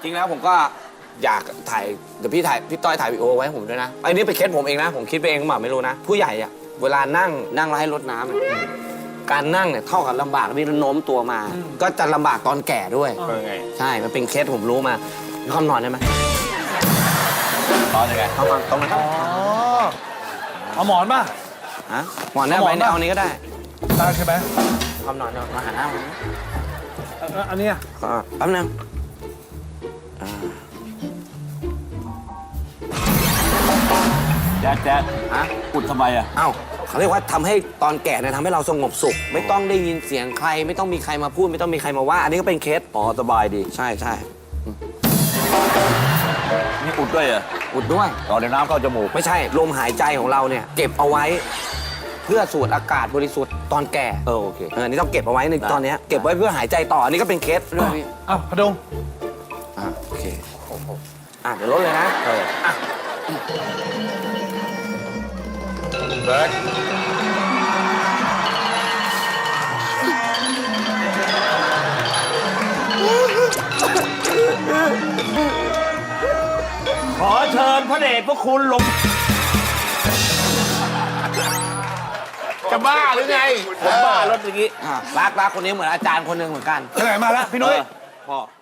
ริงแล้วผมก็อยากถ่ายเดี๋ยวพี่ต้อยถ่ายวีดีโอไว้ให้ผมด้วยนะอันนี้เป็นเคสผมเองนะผมคิดไปเองหรือเปล่าไม่รู้นะผู้ใหญ่อะเวลานั่งแล้วให้รดน้ำอะการนั่งเนี่ยเท่ากับลำบากที่โน้มตัวมา ก็จะลำบากตอนแก่ด้วยใช่มันเป็นเคสผมรู้มามีความนอนได้ไหมนอนยังไงเข้ามาตรงนั้นเอาหมอนป่ะฮะหมอนได้ไหมเนี่ยเอานี้ก็ได้ได้ใช่ไหมความนอนมาหาหน้าผมอันเนี้ยแป๊บนึงแจ๊ดฮะอุดทำไมอ่ะเอ้าเขาเรียกว่าทำให้ตอนแก่เนี่ยทำให้เราสงบสุข ไม่ต้องได้ยินเสียงใคร ไม่ต้องมีใครมาพูด ไม่ต้องมีใครมาว่า อันนี้ก็เป็นเคสอ๋อสบายดีใช่ใช่นี่อุดด้วยเหรออุดด้วยเอาในน้ำเข้าจมูกไม่ใช่ลมหายใจของเราเนี่ย เก็บเอาไว้ เพื่อสูดอากาศบริสุทธิ์ตอนแก่โอเคอันนี้ต้องเก็บเอาไว้ในตอนเนี้ยเก็บไว้เพื่อหายใจต่ออันนี้ก็เป็นเคสด้วยพี่อ้าวพดงโอเคเดี๋ยวลดเลยนะอ่ะเบิร์ดขอเชิญพระเดชพระคุณลงจะบ้าหรือไงผมบ้ารถเมื่อกี้รักคนนี้เหมือนอาจารย์คนหนึ่งเหมือนกันไปไหนมาแล้วพี่นุ้ยพ่อ